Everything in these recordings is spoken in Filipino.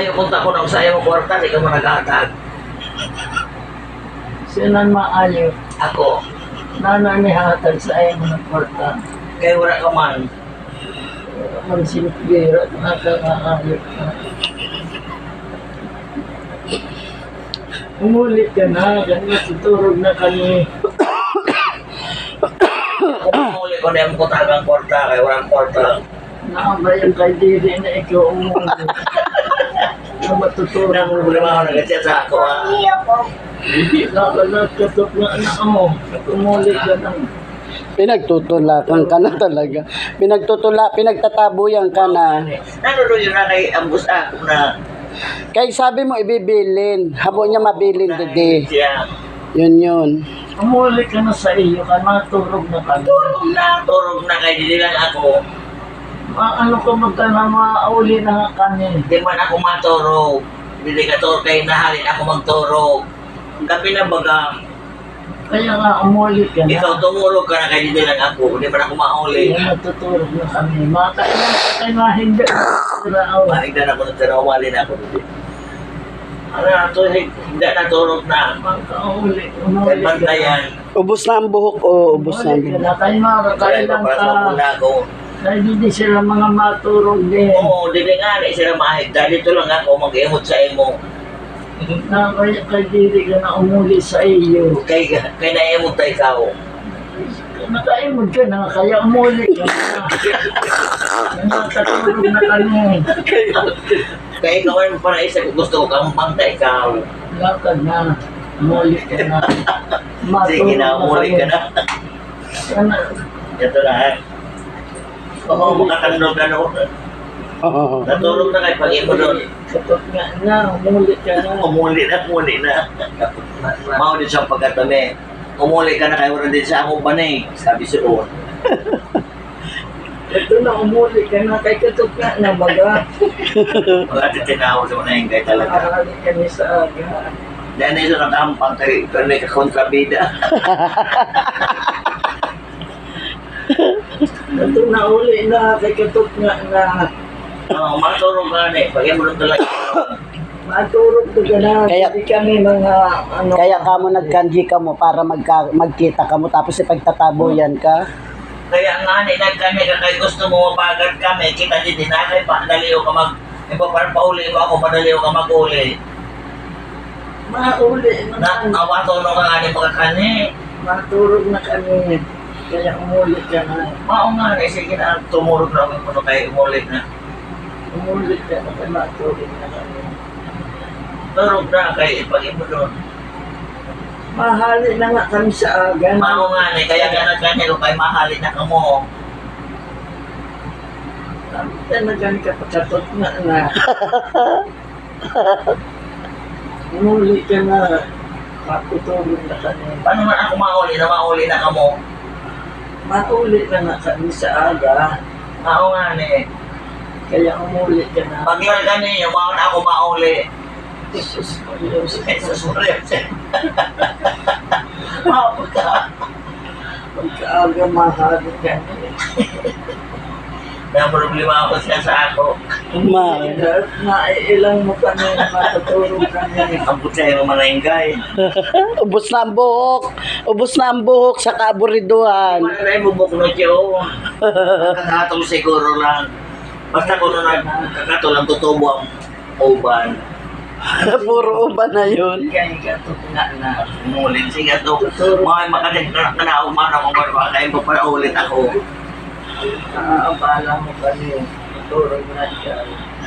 Ayaw punta ko nang sa iyo kwarta, di ka mo nag-atag. Sino maayo? Ako, Nananihatag sa iyo ng porta. kay wala ka man. Ang sinipira, nakakaayo ka. Umulit ka na, ganyan tuturog na kami. Kung uli ko na yung kutagang kwarta, kay walang kwarta. Nakabayan kay diri na ikaw umulit. Na matutulog. Wala mo problema ako nag-chat sa ako, ha? Hindi nakakatot na anak mo. Umulit ka na. Pinagtutulakan ka na talaga. Pinagtatabuyan ka na. Nanonood yun na kay Ambus ako na Kaya sabi mo ibibilin. Habo niya mabilin dede. siya. Yun. Umulit ka na sa iyo, ka matulog na kami. Turog na kay hindi lang ako. Ano ka magkana mauli na kami. Hindi man ako maturog. Hindi ka turog kay nahalin ako magturog. Gabi na baga, Kaya nga umulit ka na. ikaw tumurog ka na kay hindi lang ako. Hindi man ako mauli. Kaya natutulog na kami. Makailan ka kayo na hindi. Siraaw. Maigdan ako ng tarawali na ako dito. Ano na to, hindi naturog na. Magkauli. Kay Umulit ka na. bantayan. Ubus na ang buhok o ubus na ang Umulit ka buhok. na. Kaya Kaya makakailan papasok ka. muna ako. Kaya hindi sila mga maturog din. Oo, di nga sila mahigda. Dito lang ako mag-imot sa imo. Na kaya diri ka na umuli sa iyo. Kay naimot tayo ikaw. Nakaimod ka na, kaya umuli ka na. Nakatulog na kami. Kaya ikaw ay panaisip, gusto ko kang pangta ikaw. Lakad na. Umuli ka na. Sige na, umuli ka na. Sana, Ito na ha. Oo, makatandog ka no. Oo. Natulog na kayo pag-imo doon. kapag nga na, umuli ka na. Umuli na. Mao din sa pagkatami. Umuli ka na kayo rin din sa akong banay. Sabi si Oon. Ito na, umuli ka na. Kay katok nga na baga. Mga titinawag sa mga kay talaga. Nakakali kami sa aga. Dahil na ito nakampang kay kontrabida. Ito na, uli na. Kay katok nga na. Oo, matulog ka na eh. Pag-imo doon talaga. Maturog ka na. Kaya- Hindi kami mga ano. Kaya ka mo nagkanji ka mo para magkita ka mo tapos ipagtatabuyan ka. Kaya nga ni nagkani ka kay gusto mo mabagat kami. Kita din na kay pa daliw ka mag parang pauli mo ako, madaliw ka mag-uli. Mauli Na na. awato no ka nga ni pagkakani. Maturog na kami. Kaya umuli ka na. Mao nga ni sige na tumurog na ako kuno kay umulit na. Umuli ka na. Kaya maturog na kami. Turog na kay ipag-imo doon. Mahali na nga kami sa aga. Mao nga ni kaya nga nagkani ko kay mahalin na kamo. Talagang kapakatot nga na. Umuli ka na. Matutulog na kami. Paano man ako mauli na kamo? Mauli ka na kami sa aga. Mao nga ni. Kaya umuli ka na. Paglan kani yung mao na ako mauli. Jesus Marios. Jesus Maria. Pagkaaga mahali ka. May problema ako siya sa ako. Ma. Naiilang mo kami na matutulog kami. Ang putsa yung manayngay. Ubus na ang buhok. Ubus na ang buhok sa kaaburiduhan. Manay mo bukno siya o. Kakatol siguro lang. Basta kung nagkakatol ang tutubo ang uban. Puro uban na yun. Kaya katot nga na. Umulin siya to. Mga makalit na naumana kung kayo pa para ulit ako. Naabala mo kami. Matulog na siya.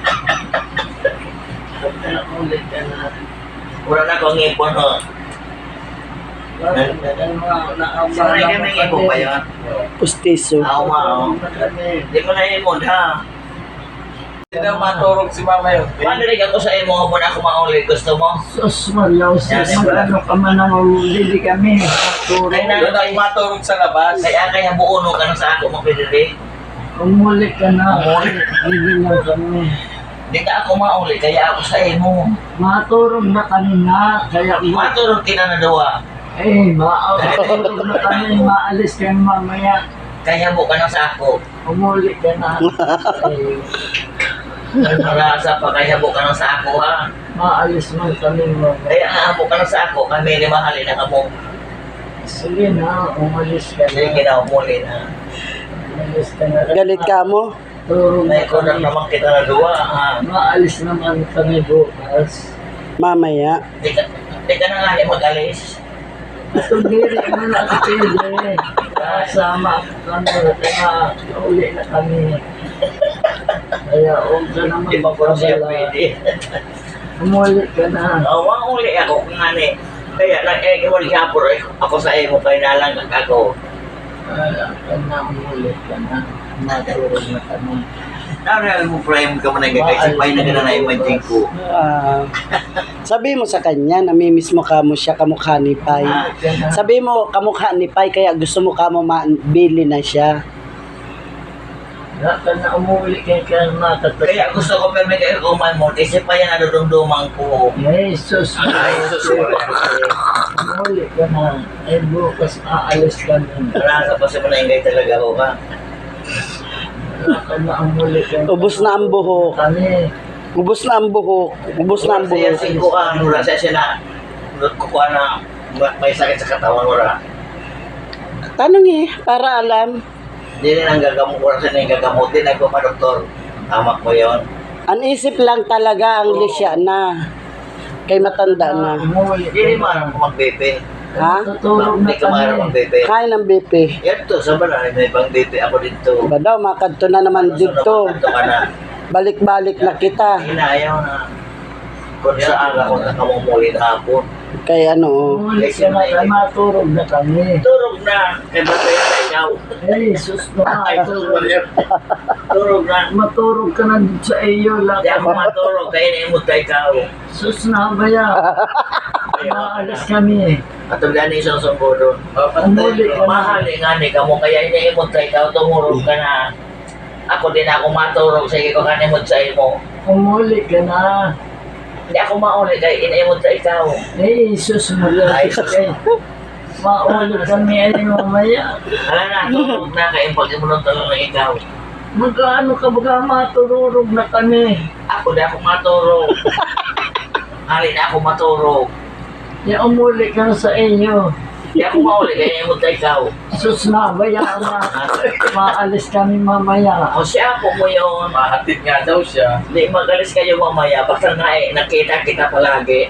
Pagka ulit ka na. Wala na akong ipon ho. Bakit na kayo mga naabala Sanay mo kami ng ipon pa yun. Pustiso. Ako mao. Na kami. Hindi mo na imod ha. Hindi na maturog si mama yun. Paano rin ako sa imo muna ako maulit? Gusto mo? Sus, Marios. Ano ka man ang ulili kami. Matulog. Ay na, Doon ako maturog sa labas. kaya buuno ka na sa ako mo pinili. Umuli ka na. Umuli. Hindi lang kami. Hindi ka ako mauli, kaya ako sa imo. Maturog na kami nga. Kaya Matulog kinanadawa. maturog na kami. Maalis kayo mamaya. Kaya mo ka na sa ako. Umuli ka na. Nasa pa kaya habo ka ng sako ha. Maalis man kami mo. Kaya nga habo ka ng sako, kami ni mahalin na kamo. Sige na, umalis ka Sige na. na, umuli na. Umalis ka na. Galit ka mo? Turog na Naikunan kami. naman kita na duwa ha. Maalis naman kami bukas. Mamaya. Di ka na nga ni mag-alis. Tundiri mo na kasi eh. Kasama kami, kaya uli na kami. Kaya huwag ka na Di ba po siya magpabala. pwede? Umuli ka na. Wang uli ako kung nga ni. Kaya lang, wali hapon ako sa imo, kaya nalang ako. Kaya ka na, umuli ka na. Matulog na kami. Naral mo frame ka man kasi pay na gana na imagine ko. Sabi mo sa kanya, namimiss mo kamo siya, kamukha ni Pai. Sabi mo, kamukha ni Pai, kaya gusto mo kamo mabili na siya. Kaya ka na umuli kaya matatag. Kaya gusto ko pero may kayo kumain mo kasi pa yan nadudumduman ko. Jesus, Ay, sus. umuli ka na. Eh bukas aalis ka na. Wala ka pa sa manayangay talaga ako ka. Kaya ka na umuli ka na. Ubus na ang buhok. Kami. Ubus na ang buhok. Ubus na ang Siya buhok. singko ka, wala siya na kukuha na may sakit sa katawan wala. Tanong para alam. Hindi rin ang gagamot, wala siya na yung gagamutin, nagpapadoktor. Tama ko yun. Ang isip lang talaga ang lisya na. Kay matanda na. Umuli Hindi rin ka marang na. kung mag-BP. Ha? Tutulog na Hindi ka marang kami. mag-BP. Kaya ng BP. Yan to, sa banal, may ibang BP ako dito. Ba daw, makadto na naman dito. Ito ka na. Balik-balik na kita. Inayaw na. Kung sa aga ko nakamumuli na hapon. Kay ano, Umuli ka na. Kaya maturog na kami. Turog na. Kaya ba kaya sa ikaw? Eh, sus na. Ay, turog na. Turog na. Maturog ka na dito sa iyo lang. Hindi ako maturog. Kaya naimot ka ikaw. Sus na ba yan? Maalis kami. At ang gani isang sumbo doon. Umuli ka na. Mahali nga ni ka mo. Kaya inaimot ka ikaw. Tumurog ka na. Ako din ako maturog. Sige ko kanimot sa imo. Umuli ka na. Hindi ako mauli. Kaya inaimot sa ikaw. Eh, sus mo Ay, yan. sus. Mauli kami ay mamaya. Hala na. Turog na. Kaya pag-imunod talaga ng ikaw. Magkaano ka baga matururog na kami. Ako din ako maturog. Hali na ako maturog. Ya umuli ka na sa inyo. Hindi ako mauli. Kaya inaimot sa ikaw. Sus na ba yan na maalis kami mamaya. O siya ako mo yun. Mahatid nga daw siya. Hindi magalis kayo mamaya. Basta nga nakita kita palagi.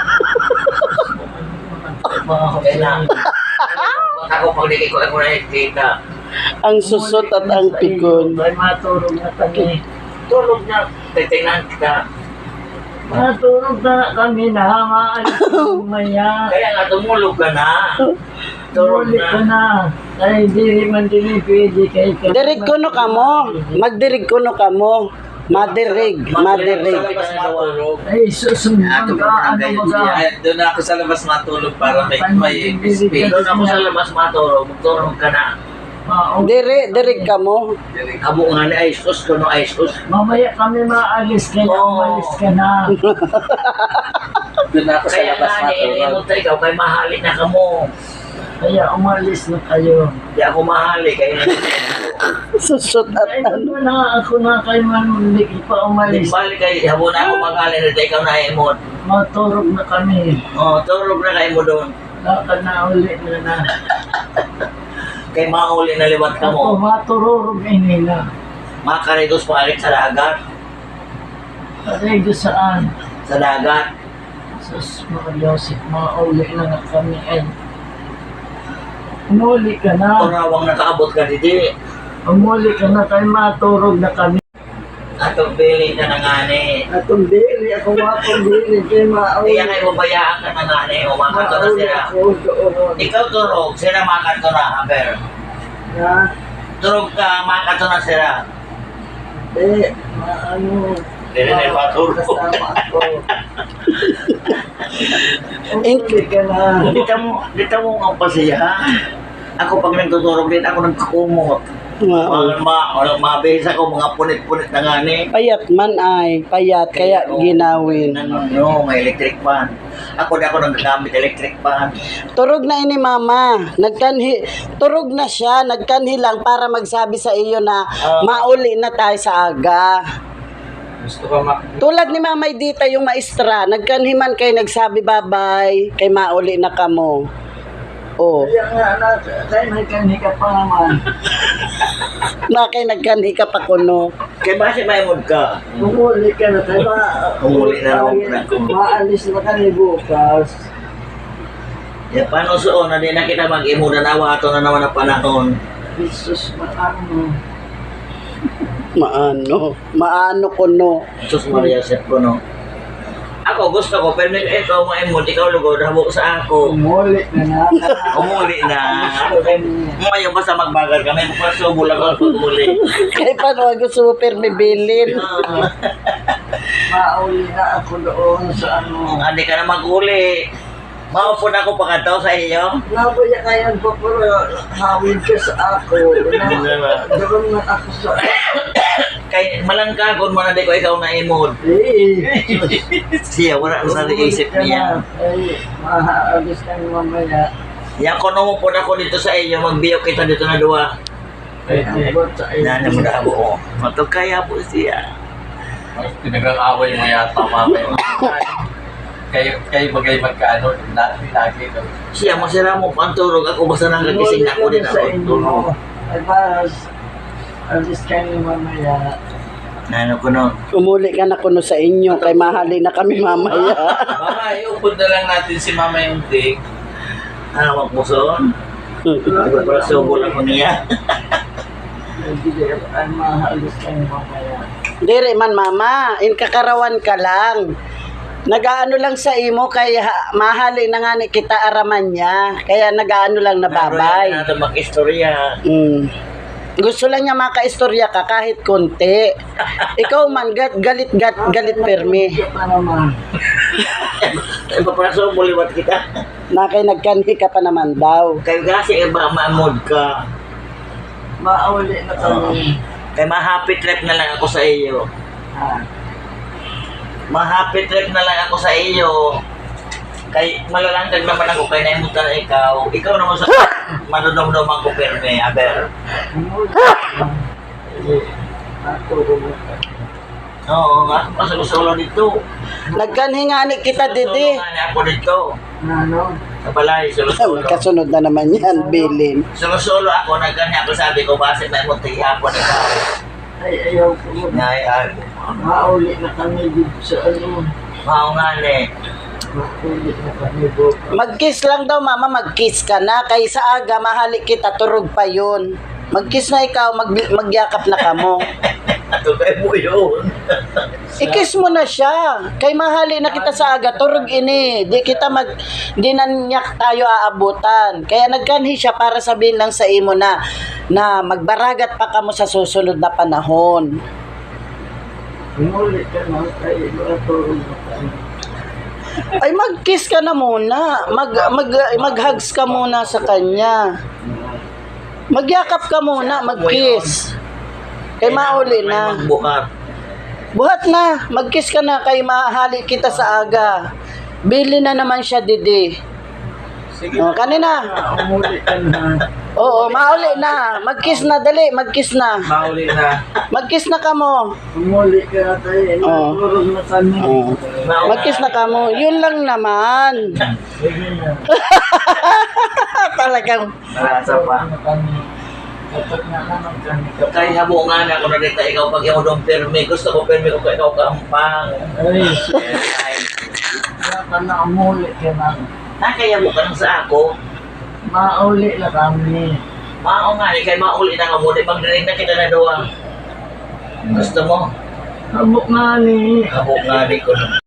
Okay na. Ako pag hindi ko nakikita. ang susot at ang pikon. Ay maturog na kami. Tulog na. Titingnan kita. Maturog na kami na maalis kami mamaya. Kaya nga tumulog ka na. Tulog Umuli ka na. na. Ay, di man din pwede kay ka. Dirig kuno kamo. Magdirig kuno kamo. Madirig. Sa Madirig. labas matulog. Ay, sus, Ato magka, ano barangay, baga. Ay, doon ako sa labas matulog para may space. Doon ako sa labas matulog. Magturog ka na. Dirig kamo. Abo nga ni Aisus. Kuno Aisus. Mamaya kami maalis kaya Oo. umalis ka na. Doon ako sa Kaya labas nga matulog. niinimot ka ikaw. Kaya mahali na ka mo. Kaya umalis na kayo. Hindi ako mahali. Kaya Susot at Ay, ano. ano na ako na kay Manlik pa umalis. balik kayo. Habo na ako mahali na ikaw na imot. Maturog na kami. Turog na kayo mo doon. Lakad na uli na. Kay mauli na liwat ka Ako mo. maturog ini na. Mga karitos paalit sa dagat. Patay doon saan? Sa dagat. Sus, mga Joseph, mauli na nga kami ay. Umuli ka na. Turawang nakaabot ka didi. Umuli ka na kay maturog na kami. Atong piling ka na nga ni. Atong dili, ako wakong dili, kay mauli. Kaya kayo mabayaan ka na nga ni. Umakato na sila. ako doon. Ikaw turog. Sila makato na. Aber. Ha? Turog ka. Makato na sila. Ano? Hindi na matulog. Kasama ako. Umuli ka na. Dito mo ang pasiya. Ako pag nagtuturog din, ako nagkakumot. Mabihis ako mga punit-punit na nga ni. Payat man ay. Payat. Kaya ginawin. No, may electric fan. Ako na ako nagagamit electric fan. Turog na ini mama. Turog na siya. Nagkanhi lang para magsabi sa iyo na mauli na tayo sa aga. Gusto ko Tulad ni Mamay Dita yung maestra, nagkanhiman kay nagsabi bye-bye, kay mauli na kamo. Oh, Kaya nga, kaya nagkani ka pa naman. na kay nagkanhi ka pa kuno. Kaya ba si Maymod ka? Umuli ka na, kaya ba? Umuli na ako. Maalis na kami bukas. Ya, paano suon na di na kita mag-imo na nawa ato na naman ang panahon. Jesus, maano. Maano kuno. Jesus Maria Sep ko no. Ako gusto ko, pero ikaw Maymod, ikaw lugod, habok sa ako. Umuli ka na. Umuli na. Ngayon basta magbagal kami, magpasubo lang ako pag umuli. Kay paano gusto mo permi bilin? Mauli na ako doon sa ano. Hindi ka na mag-uli. Maupo na ako pagkataw sa iyo. Nabaya kayan po pero hawid ka sa ako. Doon na ako sa Kay malangkagon mo na di ko ikaw na imod. Siya, wala na sa isip niya. Ay, mahaalis ka mamaya. Yan ko nung po na ako dito sa iyo, magbiyo kita dito na duwa. Ay, abot sa iyo. Nana mo na ako. Matog kaya po siya. Pinag-away mo yata mamaya. Kayo bagay magkaano, lagi daw. Siya, masira mo pa ang turog. Ako basta nang kagising na ako din ako. Tulog. Ay, bas. Alis ka niyo mamaya. Nano ko no. Umuli ka na kuno sa inyo, kay mahali na kami mamaya. Mama, iupod na lang natin si Mama yung ting. Hawak mo son. Magpapasubo lang ko niya. Ay, mahaalis ka niyo mamaya. Dire man mama, in kakarawan ka lang. Nagaano lang sa imo kay mahali na nga ni kita araman niya. Kaya nagaano lang na babay. Naroon na mag-istorya. Gusto lang niya makaistorya ka kahit konti. Ikaw man galit permi. Hindi pa naman. Magpapasubo liwat kita. Na kay nagkanhi ka pa naman daw. Kayo kasi iba maamod ka. Mauli na kami. Kay ma-happy trip na lang ako sa iyo. Ah. Ma-happy trip na lang ako sa iyo. Kay malalangkag naman ako kay naimutan na ikaw. Ikaw naman sa manunong-numang ko perme, aber. Oo, nga ako sa gusto dito. Nagkanhi nga ni kita didi. Tulungan ako dito. Ano? Sa balay, sulo-sulo. Kasunod na naman yan, bilin. Sulo-sulo ako, nagkanya ako sabi ko, base may munti hapon ikaw. Ay, ayaw ko mo. Ay, Mauli na kami dito sa ano. mao nga ni. Mauli na kami bukas. Mag-kiss lang daw mama, mag-kiss ka na. Kay sa aga, mahali kita, turog pa yun. Mag-kiss na ikaw, magyakap na kamo. Ato kay mo yun. I-kiss mo na siya. Kay mahali na kita sa aga, turog ini. Di na niyak tayo aabutan. Kaya nagkanhi siya para sabihin lang sa imo na magbaragat pa kamo sa susunod na panahon. Mauli ka na kayo. Matulog na kami. Ay mag-kiss ka na muna. Mag-hugs ka muna sa kanya. Magyakap ka muna, mag-kiss. Kay mauli na. Magbuhat. Buhat na, mag-kiss ka na kay mahali kita sa aga. Bili na naman siya, Didi. Sige. Kanina. Umuli ka na. Oo, mauli na. Mag-kiss na, dali, mag-kiss na. Mauli na. Mag-kiss na kamo. Umuli ka na tayo. Matulog na kami. Mag-kiss na kamo. Yun lang naman. Sige na. Talagang. Narasa pa. Na kami. Kapag na naman kami. Kay habo nga na ako na dito ikaw pag imo dong permi. Gusto ko permi ko ikaw kampang. Ay, Ay, kaya ka na umuli ka na. nakaya mo ka lang sa ako. Mauli na kami. Mao nga ni kay mauli na ka mo. Di magdinig na kita na duwa. Gusto mo? Habok nga ni. Habo nga di ko.